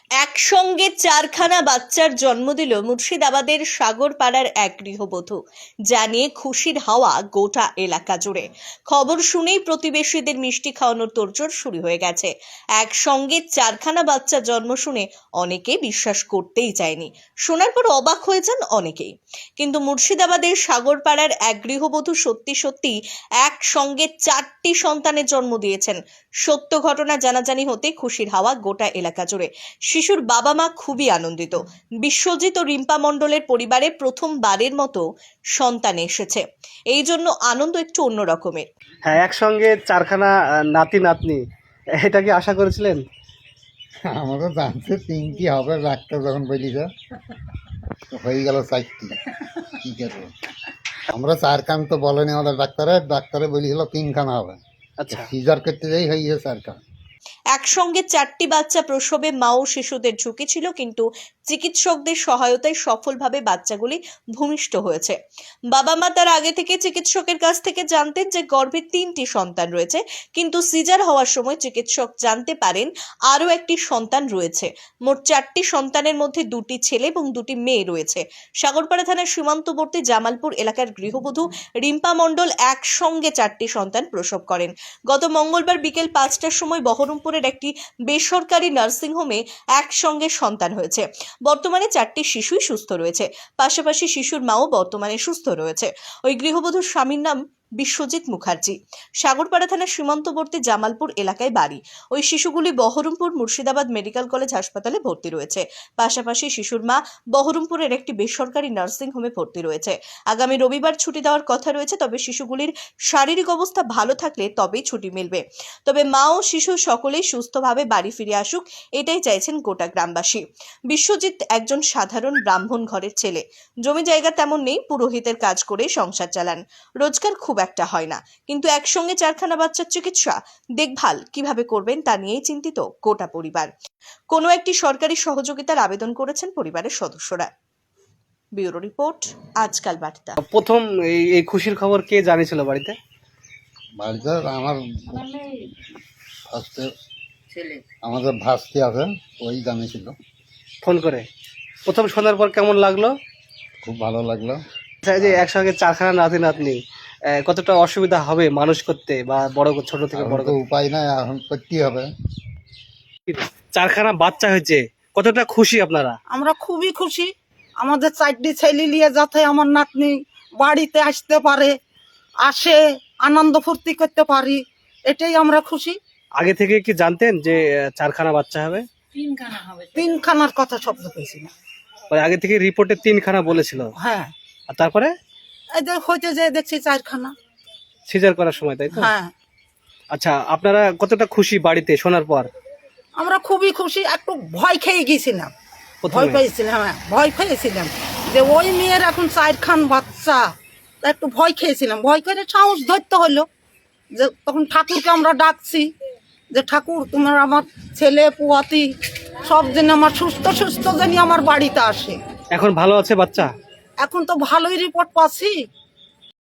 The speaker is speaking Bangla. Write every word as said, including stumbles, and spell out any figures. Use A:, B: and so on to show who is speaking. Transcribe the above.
A: একসঙ্গে চারখানা বাচ্চার জন্ম দিল মুর্শিদাবাদের সাগরপাড়ার এক গৃহবধূ, যা নিয়ে খুশির হাওয়া গোটা এলাকা জুড়ে। খবর শুনেই প্রতিবেশীদের মিষ্টি খাওয়ানোর তোড়জোড় শুরু হয়ে গেছে। একসঙ্গে চারখানা বাচ্চা জন্ম শুনে অনেকে বিশ্বাস করতেই চায়নি, শোনার পর অবাক হয়ে যান অনেকেই। কিন্তু মুর্শিদাবাদের সাগরপাড়ার এক গৃহবধূ সত্যি সত্যি একসঙ্গে চারটি সন্তানের জন্ম দিয়েছেন। সত্য ঘটনা জানাজানি হতে খুশির হাওয়া গোটা এলাকা জুড়ে। শিশুর বাবা মা খুবই আনন্দিত। বিশ্বজিৎ ও রিম্পা মণ্ডলের পরিবারে প্রথমবারের মতো সন্তান এসেছে, এই জন্য আনন্দ একটু অন্য রকমের।
B: হ্যাঁ, একসঙ্গে চারখানা আহ, নাতি নাতনি, এটা কি আশা করেছিলেন?
C: আমাদের জানতে তিনটি হবে, ডাক্তার যখন বলি যে হয়ে গেল চারটি, কি করবো আমরা চার খান তো বলেনি আমাদের ডাক্তারে ডাক্তারে বলেছিল তিনখানা হবে।
B: আচ্ছা,
C: সিজার করতে যাই হয়ে গেছে চার খান।
A: একসঙ্গে চারটি বাচ্চা প্রসবে মা ও শিশুদের ঝুঁকি ছিল, কিন্তু চিকিৎসকদের সহায়তায় সফলভাবে বাচ্চাগুলি ভূমিষ্ঠ হয়েছে। বাবা মা তার আগে থেকে চিকিৎসকের কাছ থেকে জানতেন যে গর্ভে তিনটি সন্তান রয়েছে, কিন্তু সিজার হওয়ার সময় চিকিৎসক জানতে পারেন আরও একটি সন্তান রয়েছে। মোট চারটি সন্তানের মধ্যে দুটি ছেলে এবং দুটি মেয়ে রয়েছে। সাগরপাড়া থানার সীমান্তবর্তী জামালপুর এলাকার গৃহবধূ রিম্পা মণ্ডল একসঙ্গে চারটি সন্তান প্রসব করেন। গত মঙ্গলবার বিকেল পাঁচটার সময় বহরমপুরের একটি বেসরকারি নার্সিংহোমে একসঙ্গে সন্তান হয়েছে। বর্তমানে চারটি শিশুই সুস্থ রয়েছে, পাশাপাশি শিশুর মাও বর্তমানে সুস্থ রয়েছে। ওই গৃহবধূর স্বামীর নাম বিশ্বজিৎ মুখার্জি। সাগরপাড়া থানার সীমান্তবর্তী জামালপুর এলাকায় বাড়ি। ওই শিশুগুলি বহরমপুর মুর্শিদাবাদ মেডিকেল কলেজ হাসপাতালে ভর্তি রয়েছে। পাশাপাশি শিশুর মা বহরমপুরের একটি বেসরকারি নার্সিং হোমে ভর্তি রয়েছে। আগামী রবিবার ছুটি দেওয়ার কথা রয়েছে, তবে শিশুগুলির শারীরিক অবস্থা ভালো থাকলে তবেই ছুটি মিলবে। তবে মা ও শিশু সকলেই সুস্থভাবে বাড়ি ফিরে আসুক, এটাই চাইছেন গোটা গ্রামবাসী। বিশ্বজিৎ একজন সাধারণ ব্রাহ্মণ ঘরের ছেলে। জমি জায়গা তেমন নেই, পুরোহিতের কাজ করে সংসার চালান। রোজগার খুব একটা হয় না, কিন্তু একসঙ্গে চারখানা বাচ্চার চিকিৎসা দেখভাল কিভাবে করবেন তা নিয়েই চিন্তিত গোটা পরিবার। কোনো একটি সরকারি সহযোগিতার আবেদন করেছেন পরিবারের সদস্যরা। ব্যুরো রিপোর্ট, আজকাল বার্তা।
B: প্রথম এই এই খুশির খবর কে জানিয়েছিল বাড়িতে?
C: বাড়িতে আমার ফার্স্টে আমাদের ভাস্তি আছে, ওই জানিয়েছিল
B: ফোন করে। প্রথম শোনার পর কেমন লাগলো?
C: খুব ভালো লাগলো।
B: আচ্ছা, এই যে একসঙ্গে চারখানা নাতি নাতনি, আহ, কতটা অসুবিধা হবে মানুষ করতে বা বড় কর- ছোট থেকে
C: এখন
B: বড়
C: তো
B: করতে?
C: উপায় নাই, এখন করতেই হবে।
B: চারখানা বাচ্চা হয়েছে, কতটা খুশি আপনারা?
D: আমরা খুবই খুশি। আমাদের চারটি ছেলে নিয়ে যাতে আমার নাতনি বাড়িতে আসতে পারে, আসে আনন্দ ফুর্তি করতে পারি, এটাই আমরা খুশি।
B: আগে থেকে কি জানতেন যে আহ, চারখানা বাচ্চা হবে?
D: তিনখানার কথা শব্দ পেয়েছি না।
B: মানে আগে থেকে রিপোর্টে তিনখানা বলেছিল,
D: হ্যাঁ,
B: আর তারপরে
D: এই যে হইতে যে দেখছি চারখানা।
B: সিজার করার সময়, তাই তো?
D: হ্যাঁ,
B: আচ্ছা, আপনারা কতটা খুশি বাড়িতে শোনার পর?
D: আমরা খুবই খুশি। একটু ভয় খেয়ে গেছিলাম, ভয়
B: প্রথমে
D: পেয়েছিলাম, হ্যাঁ ভয় পেয়েছিলাম যে ওই মেয়ের এখন চারখান বাচ্চা, তা একটু ভয় খেয়েছিলাম। ভয় করে সাহস ধরতে হলো, যে তখন ঠাকুরকে আমরা ডাকছি যে ঠাকুর তোমার আমার ছেলে পুয়াতি সব যেন আমার সুস্থ সুস্থ যেন আমার বাড়িতে আসে।
B: এখন ভালো আছে বাচ্চা?
D: এখন তো ভালোই রিপোর্ট পাচ্ছি,